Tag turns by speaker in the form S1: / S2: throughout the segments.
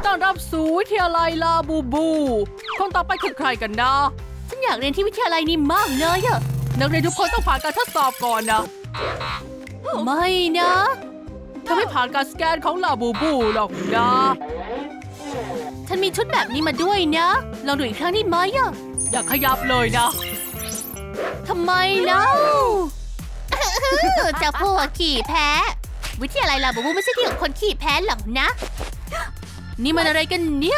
S1: ต้อนรับสู่วิทยาลัยลาบูบูคนต่อไปคือใครกันนะฉันอยากเรียนที่วิทยาลัยนี้มากเลยอะนักเรียนทุกคนต้องผ่านการทดสอบก่อนนะไม่นะเธอไม่ผ่านการสแกนของลาบูบูหรอกนะฉันมีชุดแบบนี้มาด้วยนะลองดูอีกครั้งได้ไหมอะอย่าขยับเลยนะทำไมเล่าจะพวกขี่แพ้วิทยาลัยลาบูบูไม่ใช่ที่ของคนขี่แพ้หรอกนะนี่มันอะไรกันเนี่ย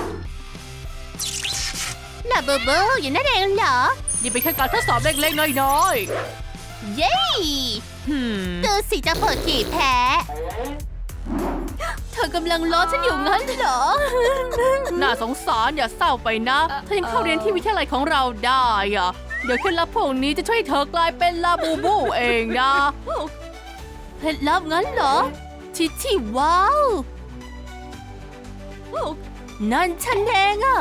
S1: ลาบูบูอยู่นั่นเองเหรอนี่เป็นแค่การทดสอบเล็กๆน้อยๆเย้ดูสิจะเปิดขี่แพ้เธอกำลังล้อฉันอยู่งั้นเหรอน่าสงสารอย่าเศร้าไปนะเธอยังเข้าเรียนที่วิทยาลัยของเราได้อะเดี๋ยวเคล็ดลับพวกนี้จะช่วยเธอกลายเป็นลาบูบูเองนะเคล็ดลับงั้นเหรอชิว้าวนั่นฉันเองอะ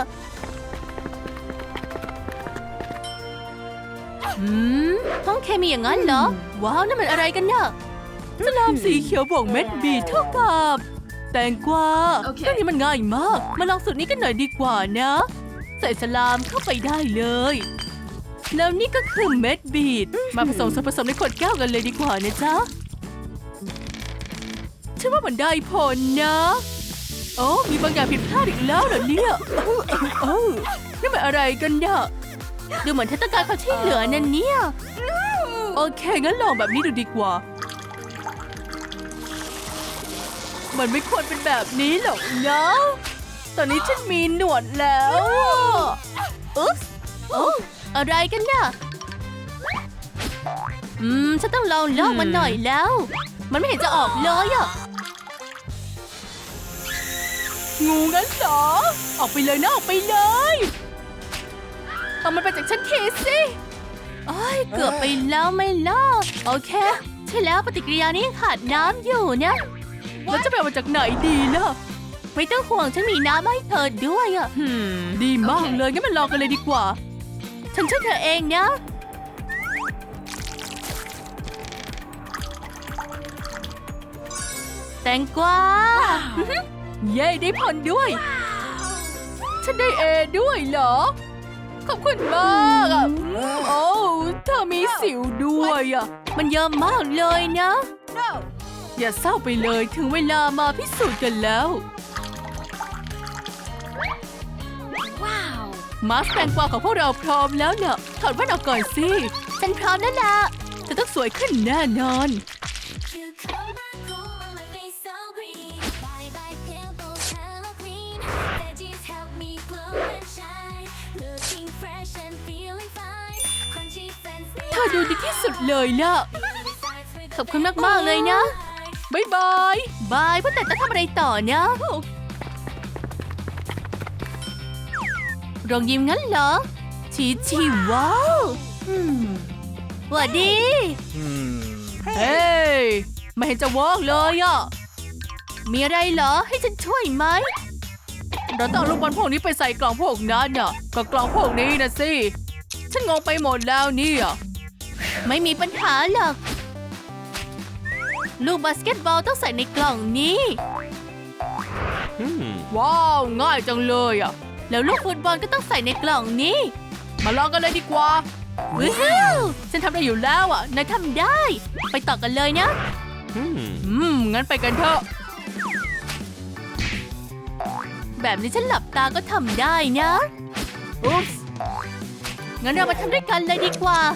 S1: ห้องเคมีอย่างนั้นเหรอว้าวนั่นมันอะไรกันเนี่ยสลามสีเขียวบวกเม็ดบีเท่ากับแตงกวาเรื่องนี้มันง่ายมากมาลองสูตรนี้กันหน่อยดีกว่านะใส่สลามเข้าไปได้เลยแล้วนี่ก็คือเม็ดบีทมาผสมส่วนผสมในขวดแก้วกันเลยดีกว่านะจ๊ะฉันว่ามันได้ผลนะโอ้มีบางอย่างผิดพลาดอีกแล้วเหรอเนี่ยนี่มันอะไรกันเนี่ยดูเหมือนเธอต้องการความช่วยเหลือนั่นเนี่ยโอเคงั้นลองแบบนี้ดูดีกว่ามันไม่ควรเป็นแบบนี้หรอกนะตอนนี้ฉันมีหนวดแล้วอุ๊บอะไรกันเนี่ยฉันต้องลองลอกมันหน่อยแล้วมันไม่เห็นจะออกเลยอะงูงั้นเหรอออกไปเลยนะออกไปเลยเอามันไปจากฉันทีสิเกือบไปแล้วไม่ลอกโอเคใช่แล้วปฏิกิริยานี้ขาดน้ำอยู่นะแล้วจะไปเอามาจากไหนดีล่ะไม่ต้องห่วงฉันมีน้ำให้เธอด้วยอะดีมากเลยงั้นมาลองกันเลยดีกว่าฉันช่วยเธอเองนะแตงกวาเย้ได้ผลด้วยฉันได้เอด้วยเหรอขอบคุณมากอ่ะโอ้เธอมีสิวด้วยอ่ะมันเยอะมากเลยนะอย่าเศร้าไปเลยถึงเวลามาพิสูจน์กันแล้วมาสแตงกวาของพวกเราพร้อมแล้วเนี่ยถอดแว่นออกก่อนสิฉันพร้อมแล้วล่ะจะต้องสวยขึ้นแน่นอนเธอดูดีที่สุดเลยล่ะขอบคุณมากๆเลยนะบ๊ายบายบายว่าแต่ต้องทำอะไรต่อนะรองยิ้มงั้นเหรอชีว้าวสวัสดีเฮ้ยไม่เห็นจะเวิร์กเลยอ่ะมีอะไรเหรอให้ฉันช่วยไหมเราต้องเอาลูกบอลพวกนี้ไปใส่กล่องพวกนั้นน่ะก็กล่องพวกนี้นะสิฉันงงไปหมดแล้วเนี่ยไม่มีปัญหาหรอกลูกบาสเกตบอลต้องใส่ในกล่องนี้ว้าวง่ายจังเลยอ่ะแล้วลูกฟุตบอลก็ต้องใส่ในกล่องนี้มาลองกันเลยดีกว่าว้าวฉันทำได้อยู่แล้วอ่ะนายทำได้ไปต่อกันเลยนะงั้นไปกันเถอะแบบนี้ฉันหลับตาก็ทำได้นะอุ๊บงั้นเรามาทำด้วยกันเลยดีกว่า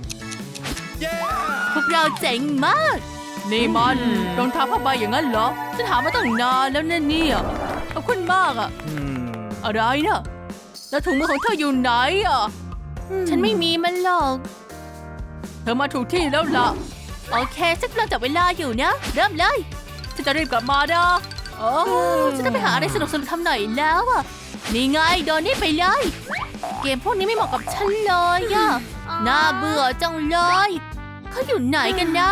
S1: พวกเราเจ๋งมากนี่มันรองเท้าผ้าใบอย่างนั้นเหรอฉันหามาตั้งนานแล้วเนี่ยขอบคุณมากอ่ะอะไรนะแล้วถุงมือของเธออยู่ไหนอ่ะฉันไม่มีมันหรอกเธอมาถูกที่แล้วล่ะโอเคฉันกำลังจับเวลาอยู่นะเริ่มเลยฉันจะรีบกลับมานะฉันจะไปหาอะไรสนุกๆทำหน่อยแล้วอ่ะนี่ไงโดนนี่ไปเลยเกมพวกนี้ไม่เหมาะกับฉันเลยอ่ะน่าเบื่อจังเลยเขาอยู่ไหนกันนะ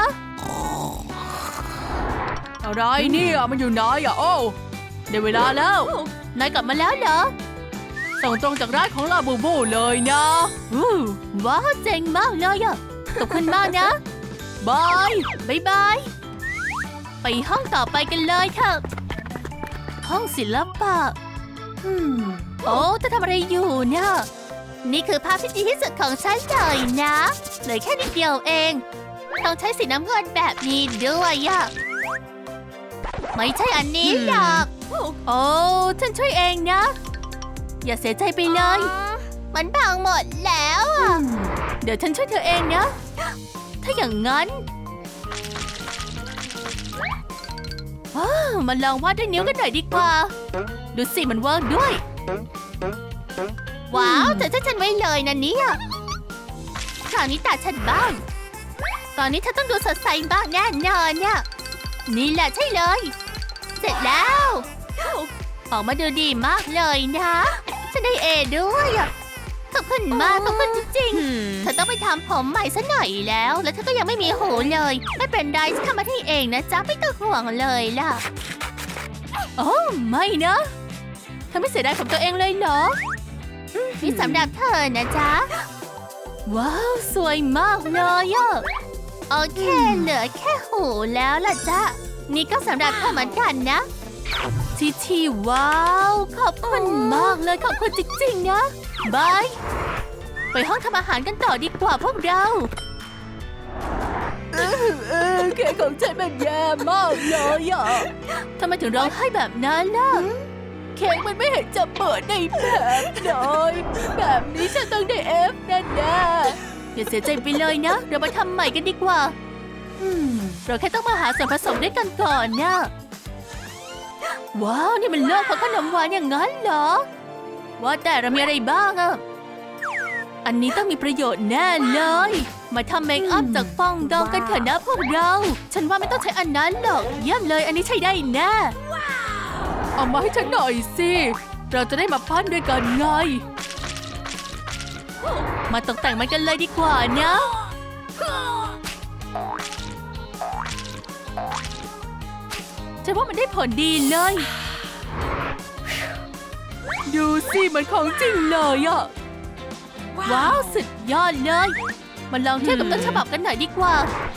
S1: อะไรเนี่ยมันอยู่ไหนอ่ะโอ้ได้เวลาแล้วนายกลับมาแล้วเหรอส่งตรงจากร้านของลาบูบูเลยนะว้าวเจ๋งมากเลยอ่ะขอบคุณมากนะบายไปห้องต่อไปกันเลยเถอะโหห้องศิลปะโอ้เธอทำอะไรอยู่เนี่ยนี่คือภาพที่ดีที่สุดของฉันเลยนะเหลือแค่นิดเดียวเองต้องใช้สีน้ำเงินแบบนี้ด้วยอะไม่ใช่อันนี้หรอกโอ้ฉันช่วยเองนะอย่าเสียใจไปเลยมันพังหมดแล้วอะเดี๋ยวฉันช่วยเธอเองนะถ้าอย่างนั้นมาลองวาดด้วยนิ้วกันหน่อยดีกว่าดูสิมันเวิร์กด้วยว้าวแต่ถ้าฉันไว้เลยนะเนี่ยคราวนี้ตาฉันบ้างตอนนี้เธอต้องดูสดใสบ้างแน่นอนเนี่ยนี่แหละใช่เลยเสร็จแล้วออกมาดูดีมากเลยนะฉันได้เอด้วยขอบคุณมากขอบคุณจริงๆเธอต้องไปทำผมใหม่ซะหน่อยแล้วเธอก็ยังไม่มีหูเลยไม่เป็นไรฉันทำมาให้เองนะจ๊ะไม่ต้องห่วงเลยล่ะโอ้ไม่นะเธอไม่เสียดายของตัวเองเลยเหรอนี่สำหรับเธอนะจ๊ะว้าวสวยมากเลยอะโอเคเหลือแค่หูแล้วล่ะจ๊ะนี่ก็สำหรับเธอเหมือนกันนะทีว้าวขอบคุณมากเลยขอบคุณจริงๆนะบายไปห้องทำอาหารกันต่อดีกว่าพวกเราแค่ของฉันมันแย่มากเลยอ่ะทำไมถึงร้องไห้แบบนั้นล่ะเค้กมันไม่เห็นจะเปิดในแบบเลยแบบนี้ฉันต้องได้เอฟแน่ๆอย่าเสียใจไปเลยนะเรามาทำใหม่กันดีกว่าเราแค่ต้องมาหาส่วนผสมด้วยกันก่อนนะว้าวนี่มันโลกของขนมหวานอย่างนั้นเหรอว่าแต่เรามีอะไรบ้างอะอันนี้ต้องมีประโยชน์แน่เลยมาทำเมคอัพจากฟองดองกันเถอะนะพวกเราฉันว่าไม่ต้องใช้อันนั้นหรอกเยี่ยมเลยอันนี้ใช้ได้แน่เอามาให้ฉันหน่อยสิเราจะได้มาปั้นด้วยกันไงมาตกแต่งมันกันเลยดีกว่านะฉันว่ามันได้ผลดีเลยดูสิมันของจริงเลยอะว้าวสุดยอดเลยมาลองเทียบกับต้นฉบับกันหน่อยดีกว่า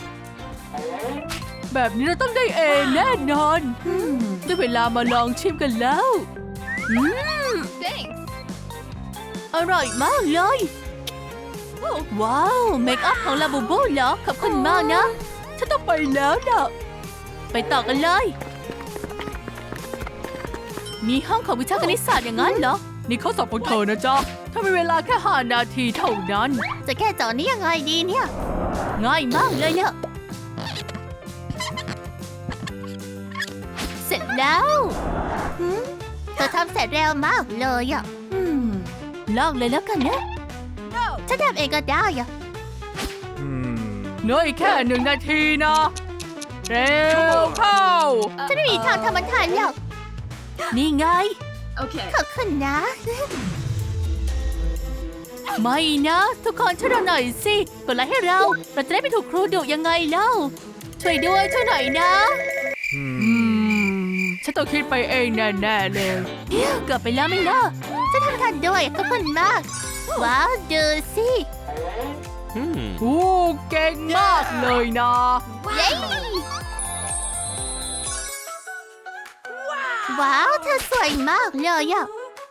S1: แบบนี้เราต้องได้เอแน่นอนได้เวลามาลองชิมกันแล้วอร่อยมากเลยว้าวเมคอัพของลาบูบูเหรอขอบคุณมากนะฉันต้องไปแล้วนะไปต่อกันเลยมีห้องของวิชาคณิตศาสตร์อย่างนั้นเหรอนี่ข้อสอบของเธอนะจ๊ะถ้ามีเวลาแค่5 นาทีเท่านั้นจะแก้โจทย์นี้ยังไงดีเนี่ยง่ายมากเลยเนี่ยเสร็จแล้วเธอทำเสร็จเร็วมากเลยอ่ะลองเลยแล้วกันนะฉันทำเองก็ได้อ่ะน้อยแค่1 นาทีนะเร็วเข้าฉันไม่มีทางทำมันทันหรอกนี่ไงโอเคขอบคุณนะไม่นะทุกคนช่วยเราหน่อยสิกดไลค์ให้เราจะได้ไม่ถูกครูดุยังไงเล่าช่วยด้วยช่วยหน่อยนะฉันต้องคิดไปเองแน่ๆเลยเกือบไปแล้วไม่ล่ะฉันทำทันด้วยขอบคุณมากว้าวดูสิโอ้เก่งมากเลยนะเย้ว้าวเธอสวยมากเลยอ่ะ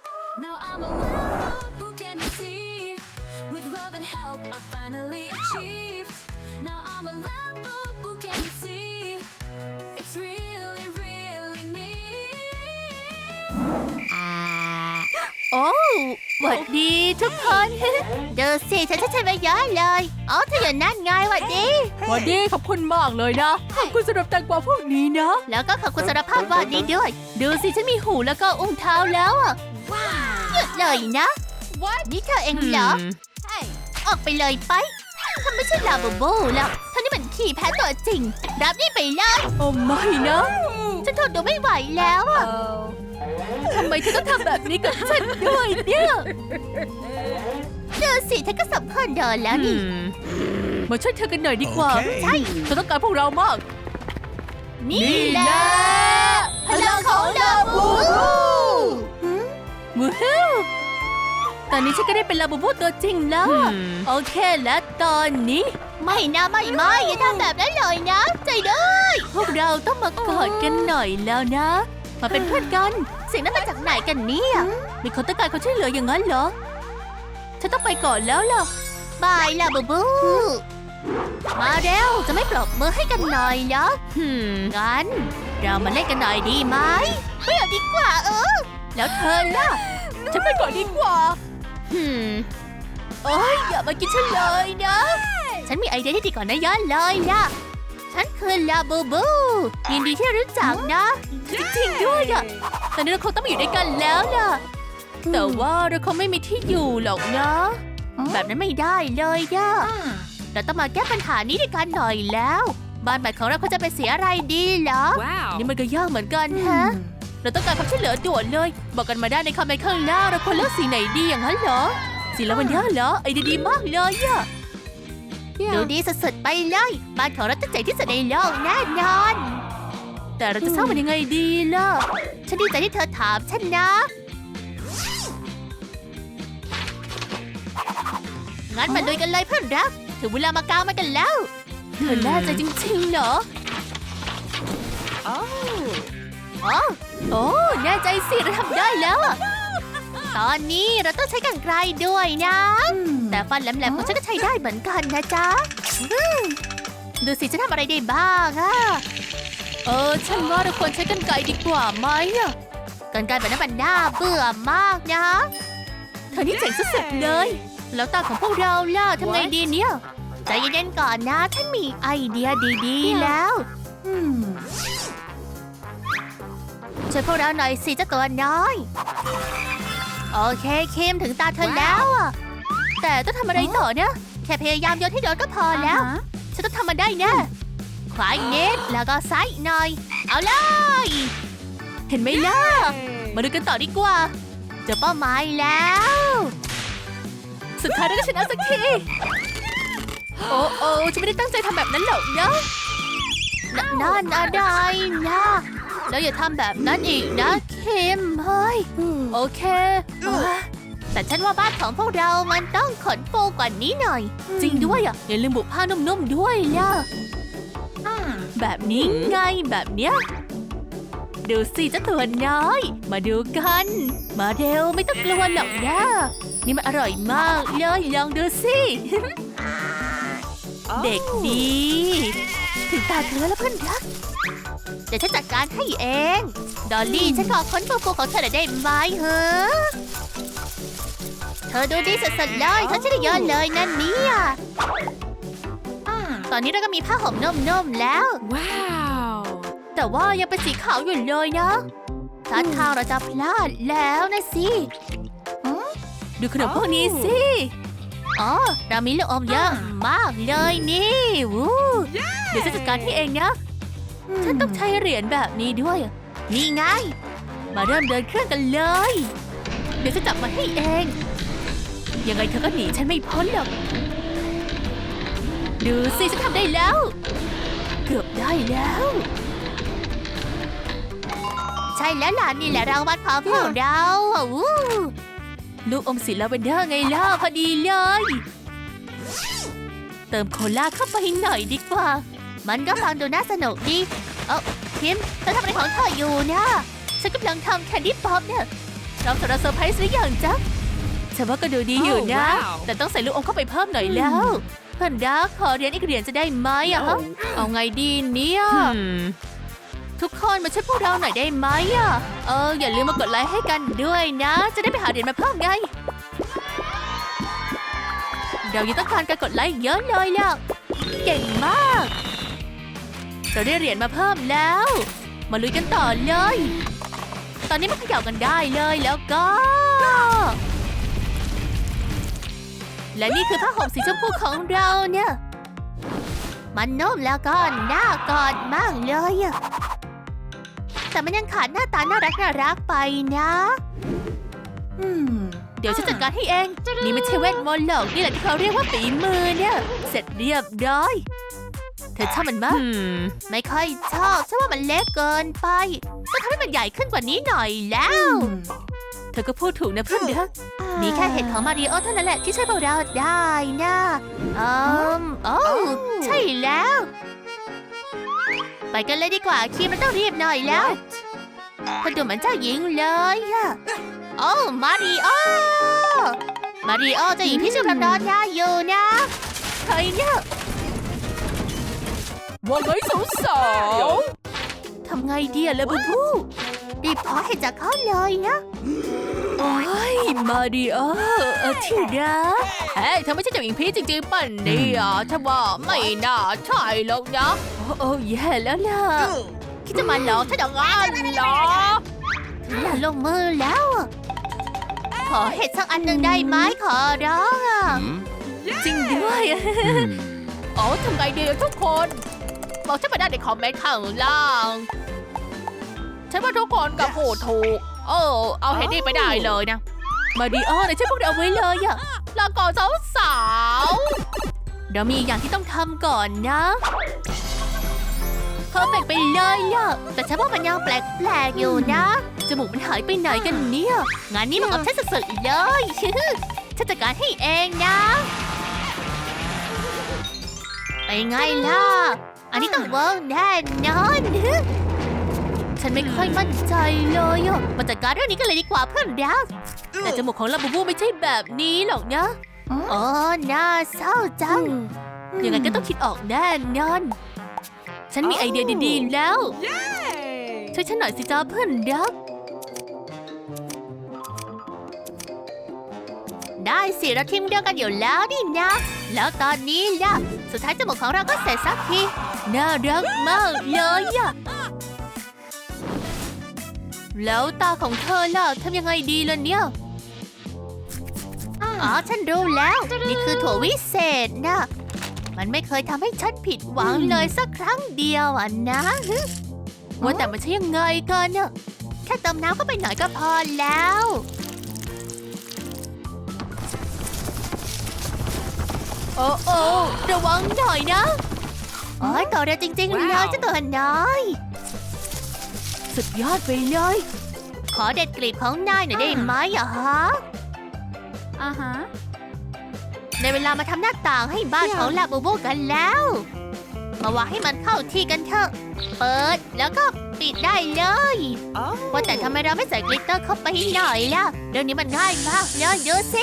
S1: โอ้หวัดดีทุกคนดูสิฉันใช้ไปเยอะเลยอ๋อเธออยู่นั่นไงหวัดดีหวัดดีขอบคุณมากเลยนะขอบคุณสำหรับแตงกวาพวกนี้นะแล้วก็ขอบคุณสำหรับภาพวาดนี้ด้วยดูสิฉันมีหูแล้วก็อุ้งเท้าแล้วอ่ะหยุดเลยนะนี่เธอเองเหรอออกไปเลยไปทำไม่ใช่ลาบูบูแล้วท่านี่มันขี้แพ้ตัวจริงรับนี่ไปเลยโอ้ไม่นะฉันทนดูไม่ไหวแล้วอ่ะทำไมเธอต้องทำแบบนี้กับฉันด้วยเนี่ยดูสิเธอก็สำคัญเดินแล้วนี่มาช่วยเธอกันหน่อยดีกว่าใช่เธอต้องการพวกเรามากนี่แหละพลังของลาบูบูวู้ตอนนี้ฉันก็ได้เป็นลาบูบูตัวจริงแล้วโอเคและตอนนี้ไม่นะไม่อย่าทำแบบนั้นเลยนะใจด้วยพวกเราต้องมากอดกันหน่อยแล้วนะมาเป็นเพื่อนกันเสียงนั้นมาจากไหนกันเนี่ยมีคนต้องการความช่วยเหลืออย่างนั้นเหรอฉันต้องไปก่อนแล้วล่ะบายล่ะบูบูมาเร็วจะไม่ปรบมือให้กันหน่อยเหรองั้นเรามาเล่นกันหน่อยดีไหมไม่เอาดีกว่าแล้วเธอล่ะฉันไปก่อนดีกว่าโอ้ยอย่ามากินฉันเลยนะฉันมีไอเดียที่ดีกว่านะย้อนเลยล่ะฉันคือลาบูบูยินดีที่รู้จักนะจริงๆด้วยอะตอนนี้เราคงต้องมาอยู่ด้วยกันแล้วล่ะแต่ว่าเราคงไม่มีที่อยู่หรอกนะแบบนั้นไม่ได้เลยย่ะเราต้องมาแก้ปัญหานี้ด้วยกันหน่อยแล้วบ้านใหม่ของเราเขาจะเป็นสีอะไรดีเหรอ นี่มันก็ยากเหมือนกันฮะเราต้องการความช่วยเหลือด่วนเลยบอกกันมาได้ในคอมเมนต์ข้างล่างเราควรเลือกสีไหนดีอย่างนั้นเหรอสีลาเวนเดอร์เหรอไอเดียดีมากเลยอะดูดีสุดๆไปเลยบ้านของเราจะเจ๋งที่สุดในโลกแน่นอนแต่เราจะสร้างมันยังไงดีล่ะฉันดีใจที่เธอถามฉันนะงั้นมาลุยกันเลยเพื่อนรักถึงเวลามากางมันกันแล้วเธอแน่ใจจริงๆเหรอโอ้แน่ใจสิเราทำได้แล้วตอนนี้เราต้องใช้กรรไกรด้วยนะแต่ฟันแหลมๆของฉันก็ใช้ได้เหมือนกันนะจ๊ะดูสิฉันทำอะไรได้บ้างอะฉันว่าเราควรใช้กรรไกรดีกว่าไหมกรรไกรแบบนั้นมันน่าเบื่อมากนะเธอนี่เจ๋งสุดๆเลยแล้วตาของพวกเราล่ะทำไงดีเนี่ยใจเย็นๆก่อนนะฉันมีไอเดียดีๆแล้วช่วยพวกเราหน่อยสิเจ้าตัวน้อยโอเคคิมถึงตาเธอแล้วแต่ต้องทำอะไรต่อเนี่ยแค่พยายามโยนให้โดนก็พอแล้วฉันต้องทำมันได้แน่ขวาอีกนิดแล้วก็ซ้ายอีกหน่อยเอาเลยเห็นไหมล่ะมาดูกันต่อดีกว่าเจอเป้าหมายแล้วสุดท้ายเราก็ชนะสักทีโอ้ฉันไม่ได้ตั้งใจทำแบบนั้นหรอกนะนั่นอะไรนะแล้วอย่าทำแบบนั้นอีกนะคิมเฮ้ยโอเคแต่ฉันว่าบ้านของพวกเรามันต้องขนฟูกว่านี้หน่อยจริงด้วยอย่าลืมบุผ้านุ่มๆด้วยล่ะแบบนี้ไงแบบเนี้ยดูสิเจ้าตัวน้อยมาดูกันมาเร็วไม่ต้องกลัวหรอกนะนี่มันอร่อยมากเลยลองดูสิเด็กดีถึงตาเธอแล้วเพื่อนรักเดี๋ยวฉันจัดการให้เองดอลลี่ฉันขอค้นฟูของเธอได้ไหมเหรอเธอดูดีสุดๆเลยเธอช่วยได้เยอะเลยนั่นเนี่ยตอนนี้เราก็มีผ้าห่มนุ่มๆแล้วว้าวแต่ว่ายังเป็นสีขาวอยู่เลยนะท่าทางเราจะพลาดแล้วนะสิดูขนมพวกนี้สิเรามีลูกอมเยอะมากเลยนี่วู้เดี๋ยวฉันจัดการที่เองนะฉันต้องใช้เหรียญแบบนี้ด้วยนี่ไงมาเริ่มเดินเครื่องกันเลยเดี๋ยวจะจับมาให้เองยังไงเธอก็หนีฉันไม่พ้นหรอกดูสิฉันทำได้แล้วเกือบได้แล้วใช่แล้วล่ะนี่แหละรางวัลของพวกเราลูกอมสีลาเวนเดอร์ไงล่ะพอดีเลยเติมโคลาเข้าไปหน่อยดีกว่ามันก็ฟังดูน่าสนุกดีคิมเธอทำอะไรของเธออยู่นะฉันกำลังทำแคนดี้ป๊อปเนี่ยเราจะเซอร์ไพรส์หรือยังจ๊ะฉันว่าก็ดูดีอยู่นะแต่ต้องใส่ลูกอมเข้าไปเพิ่มหน่อยแล้วเพื่อนรักขอเรียนอีกเหรียญจะได้ไหมเอาไงดีเนี่ยทุกคนมาช่วยพวกเราหน่อยได้ไหมอย่าลืมมากดไลค์ให้กันด้วยนะจะได้ไปหาเหรียญมาเพิ่มไงเรายังต้องการการกดไลค์เยอะเลยล่ะเก่งมากเราได้เหรียญมาเพิ่มแล้วมาลุยกันต่อเลยตอนนี้มาเขย่ากันได้เลยแล้วก็และนี่คือผ้าห่มสีชมพูของเราเนี่ยมันนุ่มแล้วก็น่ากอดมากเลยแต่มันยังขาดหน้าตาน่ารักไปนะเดี๋ยวฉันจัดการให้เองนี่ไม่ใช่เวทมนต์หรอกนี่แหละที่เขาเรียกว่าฝีมือเนี่ยเสร็จเรียบร้อยเธอชอบมันมากไม่ค่อยชอบฉันว่ามันเล็กเกินไปต้องทำให้มันใหญ่ขึ้นกว่านี้หน่อยแล้วเธอก็พูดถูกนะเพื่อนเด็กมีแค่เห็ดของมาริโอเท่านั้นแหละที่ช่วยพวกเราได้นะใช่แล้วไปกันเลยดีกว่าคิมมันต้องรีบหน่อยแล้ว
S2: เธอดูเหมือนเจ้าหญิงเลยอะโอ้มาริโอเจ้าหญิงที่ชื่อพระนอนยาอยู่นะใครเนี่ย
S1: ว่าไงสาวๆ
S2: ทำไงดีอะเลบูบูรีบขอให้จากเขาเลยนะ
S1: โอ้ยมาริโอที่รักเฮ้ยเธอไม่ใช่เจ้าหญิงพีชจริงๆป่ะเนี่ยฉันว่าไม่น่าใช่หรอกนะโอ้แย่แล้วล่ะ
S2: คิดจะมาหลอกฉันอย่างนั้นเหรอถึงเวลาลงมือแล้วอะขอเห็ดสักอันหนึ่งได้ไหมขอร้องอะ
S1: จริงด้วยโอ้ทำไงดีทุกคนบอกฉันมาได้ในคอมเมนต์ข้างล่างฉันว่าทุกคนกับพูดถูกเอาเฮดดี้ไปได้เลยนะมาริโอไหนช่วยพวกเราไว้เลยอะลาก่อนสาวๆ
S2: เรามีอย่างที่ต้องทำก่อนนะเพอร์เฟกไปเลยล่ะแต่ฉันว่ามันยังแปลกๆอยู่นะจมูกมันหายไปไหนกันเนี่ยงานนี้มันกับฉันสุดๆเลย ฉันจัดการให้เองนะไปไงล่ะอันนี้ต้องเวิร์กแน่นอนฉันไม่ค่อยมั่นใจเลยอ่ะมาจัดการเรื่องนี้กันเลยดีกว่าเพื่อนรักแต่จมูกของลาบูบูไม่ใช่แบบนี้หรอกนะอ๋อน่าเศร้าจังยังไงก็ต้องคิดออกแน่นอนฉันมีไอเดียดีๆแล้วช่วยฉันหน่อยสิจ้าเพื่อนรักได้สิเราทีมเดียวกันอยู่แล้วนี่นะแล้วตอนนี้ล่ะสุดท้ายจมูกของเราก็เสร็จสักทีน่ารักมากเลยอะแล้วตาของเธอล่ะทำยังไงดีล่ะเนี่ยอ๋อฉันรู้แล้วนี่คือถั่ววิเศษนะมันไม่เคยทำให้ฉันผิดหวังเลยสักครั้งเดียวอ่ะนะว่าแต่มันใช่ยังไงกันเนี่ยแค่เติมน้ำเข้าไปหน่อยก็พอแล้วโอ้ระวังหน่อยนะโอ้ยต่อเร็วจริงๆเลยเจ้าตัวน้อยสุดยอดไปเลยขอเด็ดกลีบของนายหน่อยได้ไหมอะฮะในเวลามาทำหน้าต่างให้บ้านของลาบูบูกันแล้วมาวางให้มันเข้าที่กันเถอะเปิดแล้วก็ปิดได้เลยว่าแต่ทำไมเราไม่ใส่กลิตเตอร์เข้าไปหน่อยล่ะเรื่องนี้มันง่ายมากเลยดูสิ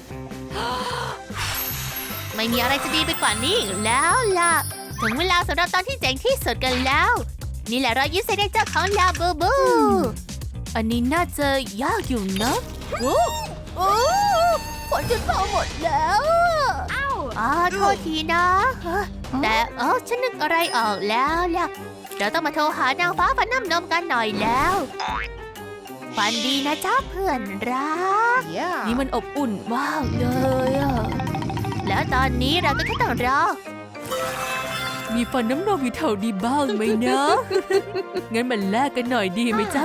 S2: ไม่มีอะไรจะดีไปกว่านี้อีกแล้วล่ะถึงเวลาสำหรับตอนที่เจ๋งที่สุดกันแล้วนี่แหละรอยยิ้มเซเนเจอร์ของลาบูบูอันนี้น่าจะยากอยู่นะโอ้ฝนจะตกหมดแล้วโทษทีนะแต่ฉันนึกอะไรออกแล้วล่ะเราต้องมาโทรหานางฟ้าฟันน้ำนมกันหน่อยแล้วฝันดีนะจ้าเพื่อนรักนี่มันอบอุ่นมากเลยอะแล้วตอนนี้เราก็แค่ต้องรอมีฟันน้ำนมอยู่แถวดีบ้างไหมนะ งั้นมันแลกกันหน่อยดีไหมจ๊ะ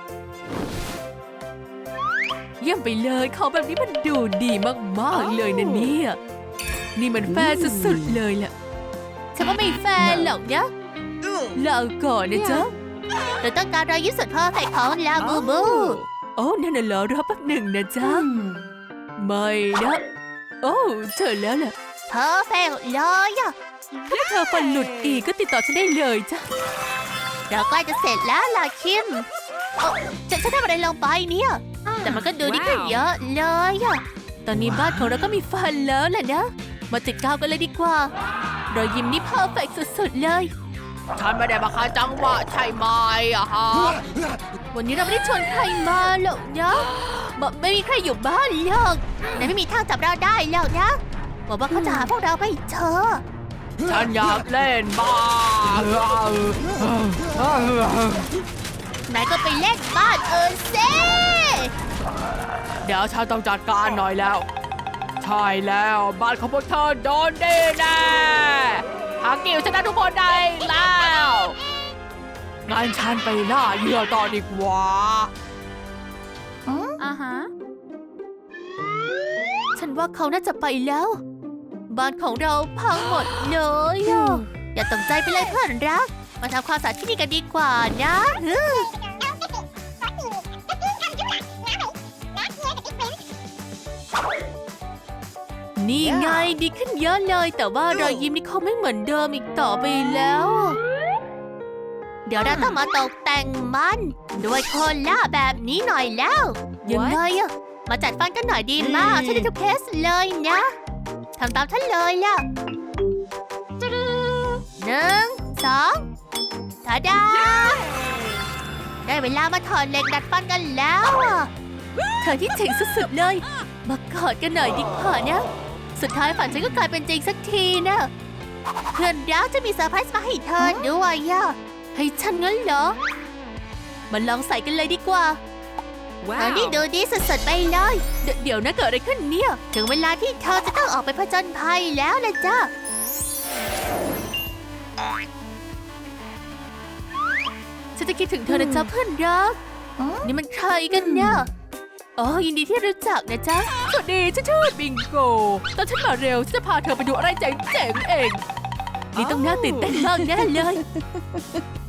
S2: เยี่ยมไปเลยเขาแบบนี้มันดูดีมากๆเลยนะเนี่ยนี่มันแฟร์สุดๆเลยแหละฉันว่าไม่แฟร์หรอกนะลาก่อนนะจ๊ะเราต้องการรอยยิ้มสุดเพอร์เฟกต์ของลาบูบูโอ้นั่นน่ะเหรอรอแป๊บหนึ่งนะจ๊ะไม่นะโอ้เจอแล้วแหละเพอร์เฟกต์เลยอะถ้าเธอฟันหลุดอีกก็ติดต่อฉันได้เลยจ้ะเราใกล้จะเสร็จแล้วล่ะคิมฉันทำอะไรลงไปเนี่ยแต่มันก็ดูดีขึ้นเยอะเลยอะตอนนี้บ้านของเราก็มีฟันแล้วแหละนะมาติดกาวกันเลยดีกว่ารอยยิ้มนี่เพอร์เฟกต์สุดๆเลยฉันไม่ได้มาคาจังหวะใช่ไหมอะฮะวันนี้เราไม่ได้ชวนใครมาหรอกนะไม่มีใครอยู่บ้านหรอกแต่ไม่มีทางจับเราได้หรอกนะบอกว่าเขาจะหาพวกเราไปเจอฉันอยากเล่นบ้านนายก็ไปเล่นบ้านสิเดี๋ยวฉันต้องจัดการหน่อยแล้วใช่แล้วบ้านของพวกเธอโดนดีแน่หากิวชนะทุกคนได้แล้วงั้นฉันไปล่าเหยื่อต่อดีกว่าฉันว่าเขาน่าจะไปแล้วบ้านของเราพังหมดเลยอย่าตกใจไปเลยเพื่อนรักมาทำความสะอาดที่นี่กันดีกว่านะนี่ไงดีขึ้นเยอะเลยแต่ว่ารอยยิ้มนี่เขาไม่เหมือนเดิมอีกต่อไปแล้วเดี๋ยวเราต้องมาตกแต่งมันด้วยโคล่าแบบนี้หน่อยแล้วยังไงอะมาจัดฟันกันหน่อยดีมากฉันได้ทุกเคสเลยนะทำตามฉันเลยล่ะ1 2ทาดาได้เวลามาถอดเหล็กดัดฟันกันแล้วอะเธอที่เจ๋งสุดๆเลยมากอดกันหน่อยดีกว่านะสุดท้ายฝันฉันก็กลายเป็นจริงสักทีนะเพื่อนรักจะมีเซอร์ไพรส์มาให้เธอด้วยอะให้ฉันงั้นเหรอมาลองใส่กันเลยดีกว่าอันนี้ดูดีสุดๆไปเลยเดี๋ยวนะเกิดอะไรขึ้นเนี่ยถึงเวลาที่เธอจะต้องออกไปผจญภัยแล้วนะจ๊ะฉันจะคิดถึงเธอนะจ๊ะเพื่อนรักนี่มันใครกันเนี่ยอ๋อยินดีที่รู้จักนะจ๊ะสวัสดีฉันชื่อบิงโกตอนฉันมาเร็วฉันจะพาเธอไปดูอะไรเจ๋งๆเองนี่ต้องน่าตื่นเต้นมากแน่เลย